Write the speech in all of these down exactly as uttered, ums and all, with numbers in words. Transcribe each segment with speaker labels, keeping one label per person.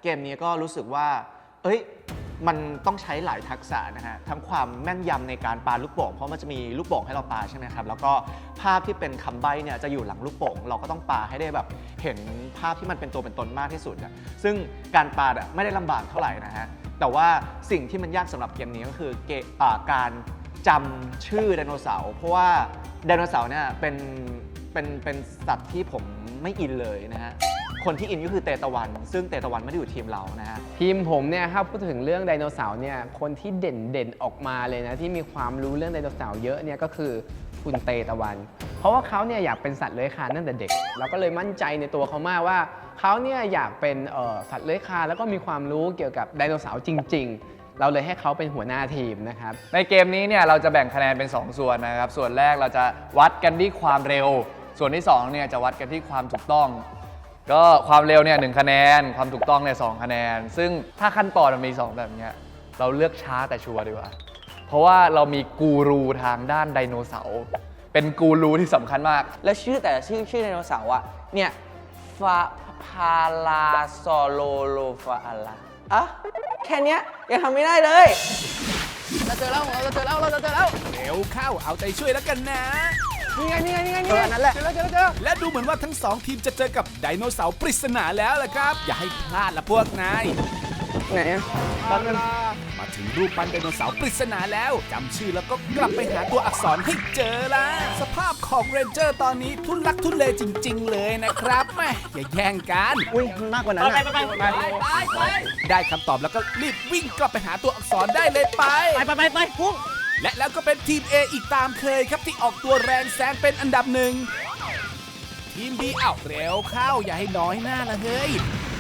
Speaker 1: เกมนี้ก็รู้สึกว่าเอ้ยมันต้องใช้หลายทักษะนะฮะทั้งความแม่นยำในการปาลูกโป่งเพราะมันจะมีลูกโป่งให้เราปาใช่ไหมครับแล้วก็ภาพที่เป็นคำใบ้เนี่ยจะอยู่หลังลูกโป่งเราก็ต้องปาให้ได้แบบเห็นภาพที่มันเป็นตัวเป็นตนมากที่สุดนะซึ่งการปาอ่ะไม่ได้ลำบากเท่าไหร่นะฮะแต่ว่าสิ่งที่มันยากสำหรับเกมนี้ก็คือเกมการจำชื่อไดโนเสาร์เพราะว่าไดโนเสาร์เนี่ยเป็นเป็นเป็นสัตว์ที่ผมไม่อินเลยนะฮะคนที่อินก็คือเตตะวันซึ่งเตตะวันไม่ได้อยู่ทีมเรานะฮะ
Speaker 2: ทีมผมเนี่ยถ้าพูดถึงเรื่องไดโนเสาร์เนี่ยคนที่เด่นเด่นออกมาเลยนะที่มีความรู้เรื่องไดโนเสาร์เยอะเนี่ยก็คือคุณเตตะวันเพราะว่าเขาเนี่ยอยากเป็นสัตว์เลื้อยคลานตั้งแต่เด็กเราก็เลยมั่นใจในตัวเขามากว่าเขาเนี่ยอยากเป็นสัตว์เลื้อยคลานแล้วก็มีความรู้เกี่ยวกับไดโนเสาร์จริงๆเราเลยให้เขาเป็นหัวหน้าทีมนะครับ
Speaker 3: ในเกมนี้เนี่ยเราจะแบ่งคะแนนเป็นสองส่วนนะครับส่วนแรกเราจะวัดกันที่ความเร็วส่วนที่สองเนี่ยจะวัดกันที่ความถูกต้องก็ความเร็วเนี่ยหนึ่งคะแนนความถูกต้องเนี่ยสองคะแนนซึ่งถ้าขั้นตอนมันมีสองแบบนี้เราเลือกช้าแต่ชัวร์ดีกว่าเพราะว่าเรามีกูรูทางด้านไดโนเสาร์เป็นกูรูที่สำคัญมาก
Speaker 4: แล้วชื่อแต่ละชื่อชื่อไดโนเสาร์อะเนี่ยฟาพาลาซอโลโลฟาอะลาอะแค่เนี้ยยังทำไม่ได้เลยเราเจอแล้วเราเจอแล้วเราเจอแล้ว
Speaker 5: เร็วเข้าเอาใจช่วยแล้วกันนะ
Speaker 2: นี่ไงนี่ไงนี่ไงนี่
Speaker 4: ไงนั่นแหละ
Speaker 2: เจอแล้วเจอแล้วเจอ
Speaker 5: และดูเหมือนว่าทั้งสองทีมจะเจอกับไดโนเสาร์ปริศนาแล้วล่ะครับอย่าให้พลาดละพวกนาย
Speaker 4: ไหนอะตอนนั้น
Speaker 5: มาถึงรูปปั้นไดโนเสาร์ปริศนาแล้วจำชื่อแล้วก็กลับไปหาตัวอักษรให้เจอละสภาพของเรนเจอร์ตอนนี้ทุลักทุเลจริงๆเลยนะครับแม่อย่าแย่งกัน
Speaker 1: อุ้ยมากกว่านั้นไป
Speaker 4: ไปไปไปไป
Speaker 5: ได้คำตอบแล้วก็รีบวิ่งกลับไปหาตัวอักษรได้เลยไป
Speaker 4: ไปไปไปไปพุ่ง
Speaker 5: และแล้วก็เป็นทีม A อีกตามเคยครับที่ออกตัวแรงแซงเป็นอันดับหนึ่งทีม B อ้าวเร็วเข้าอย่าให้น้อยหน้าละเฮ้ย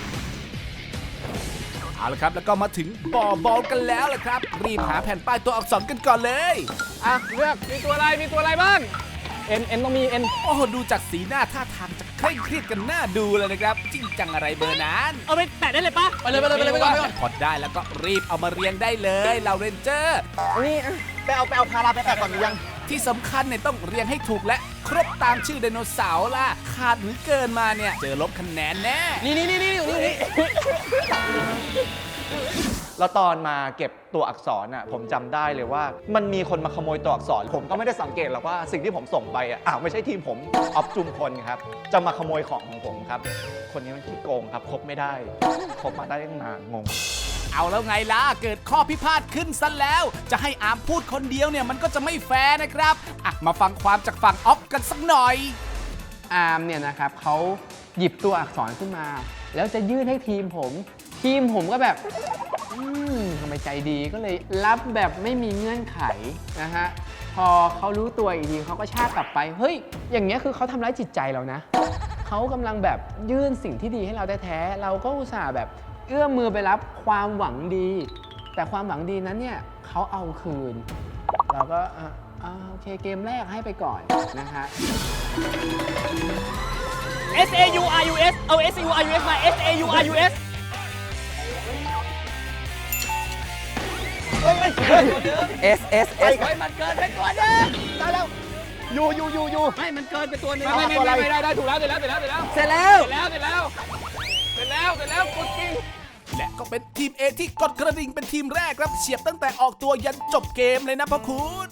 Speaker 5: เอาละครับแล้วก็มาถึงบ่อบอลกันแล้วล่ะครับรีบหาแผ่นป้ายตัวอักษรกันก่อนเลย
Speaker 2: อ่ะเลือกมีตัวอะไรมีตัวอะไรบ้างเอ็นเอ็นต้องมีเอ็น
Speaker 5: โอ้โหดูจากสีหน้าท่าทางจะเคร่งเครียดกันหน้าดูเลยนะครับจริงจังอะไรเบอร์นั้น
Speaker 4: เอาไปแปะได้เลยปะ
Speaker 2: ไปเลยไปเลยไปเลยไปก่อน
Speaker 5: พอได้แล้วก็รีบเอามาเรียงได้เลยเราเรนเจอร์
Speaker 4: นี่ไปเอาไปเอาพาราไปแปะก่อนหรือยัง
Speaker 5: ที่สำคัญเนี่ยต้องเรียงให้ถูกและครบตามชื่อไดโนเสาร์ล่ะขาดหรือเกินมาเนี่ยเจอลบคะแนนแน่
Speaker 4: นี่นี่นี่นี่นี่นี่
Speaker 1: แล้วตอนมาเก็บตัวอักษรน่ะผมจำได้เลยว่ามันมีคนมาขโมยตัวอักษรผมก็ไม่ได้สังเกตหรอกว่าสิ่งที่ผมส่งไปอ่ะอ้าวไม่ใช่ทีมผมออฟจุมพลครับจะมาขโมยของของผมครับคนนี้มันขี้โกงครับคบไม่ได้คบมาได้ตั้งนานงง
Speaker 5: เอาแล้วไงล่ะเกิดข้อพิพาทขึ้นซะแล้วจะให้อาร์มพูดคนเดียวเนี่ยมันก็จะไม่แฟร์นะครับอ่ะมาฟังความจากฝั่งออฟกันสักหน่อย
Speaker 2: อาร์มเนี่ยนะครับเขาหยิบตัวอักษรขึ้นมาแล้วจะยื่นให้ทีมผมทีมผมก็แบบอืมทำไมใจดีก็เลยรับแบบไม่มีเงื่อนไขนะฮะพอเขารู้ตัวอีกทีเขาก็ชากกลับไปเฮ้ยอย่างเงี้ยคือเขาทำร้ายจิตใจเรานะเขากำลังแบบยื่นสิ่งที่ดีให้เราแท้ๆเราก็อุตส่าห์แบบเอื้อมมือไปรับความหวังดีแต่ความหวังดีนั้นเนี่ยเขาเอาคืนเราก็อ่าโอเคเกมแรกให้ไปก่อนนะฮะ
Speaker 4: S A U R U S เอา S A U R U S มา S A U R U S S S S
Speaker 2: ไปมันเกินไปตัวนึงได้แล้วอยู่อยู่อยู่อยู่ไม่มันเกินไปตัวนึงไม่ไม่ไม่ไม่ได้ได้ถูกแล้วเสร็จแล้วเสร็จแล้วเสร็จแล้ว
Speaker 4: เสร็จแล้ว
Speaker 2: เสร็จแล้วเสร็จแล้วเสร็จแล้วเสร็จแล้วกดกิ้ง
Speaker 5: และก็เป็นทีม A ที่กดกระดิ่งเป็นทีมแรกครับเฉียบตั้งแต่ออกตัวยันจบเกมเลยนะพ่อคุณ